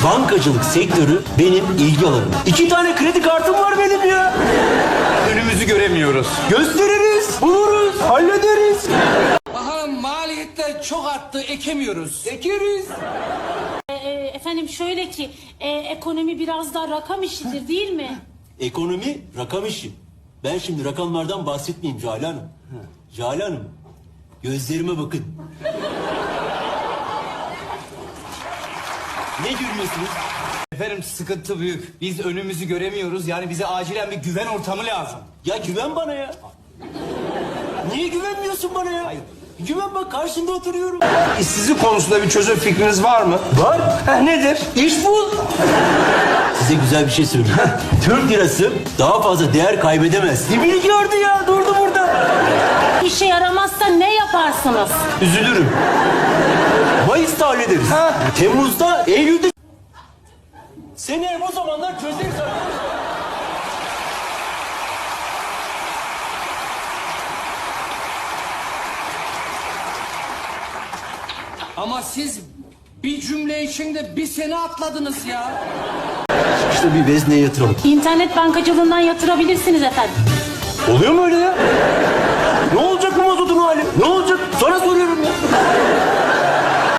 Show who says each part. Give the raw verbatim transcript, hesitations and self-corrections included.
Speaker 1: Bankacılık sektörü benim ilgi alanım. İki tane kredi kartım var benim ya.
Speaker 2: Önümüzü göremiyoruz.
Speaker 1: Gösteririz, buluruz, hallederiz.
Speaker 3: Bakalım maliyetler çok arttı, ekemiyoruz.
Speaker 1: Ekeriz.
Speaker 4: Ee, efendim şöyle ki e, ekonomi biraz daha rakam işidir değil mi?
Speaker 1: Ekonomi rakam işi. Ben şimdi rakamlardan bahsetmeyeyim Cale Hanım. Cale Hanım, gözlerime bakın. Ne görüyorsunuz?
Speaker 2: Efendim sıkıntı büyük. Biz önümüzü göremiyoruz. Yani bize acilen bir güven ortamı lazım.
Speaker 1: Ya güven bana ya. Niye güvenmiyorsun bana ya?
Speaker 2: Hayır.
Speaker 1: Güven bak, karşında oturuyorum.
Speaker 5: İşsizlik konusunda bir çözüm fikriniz var mı?
Speaker 1: Var.
Speaker 5: Heh, nedir?
Speaker 1: İş bul. Size güzel bir şey söyleyeyim. Türk lirası daha fazla değer kaybedemez. Dibini gördü ya, durdu burada.
Speaker 4: İşe yaramazsa ne yaparsınız?
Speaker 1: Üzülürüm. Mayıs'ta hallederiz.
Speaker 5: Ha.
Speaker 1: Temmuz'da, Eylül'de... Seni o zamanlar çözeriz.
Speaker 3: Ama siz bir cümle içinde bir sene atladınız ya.
Speaker 1: İşte bir vezneye yatıralım.
Speaker 4: İnternet bankacılığından yatırabilirsiniz efendim.
Speaker 1: Oluyor mu öyle ya? Ne olacak bu mazotun hali? Ne olacak? Sana soruyorum ya.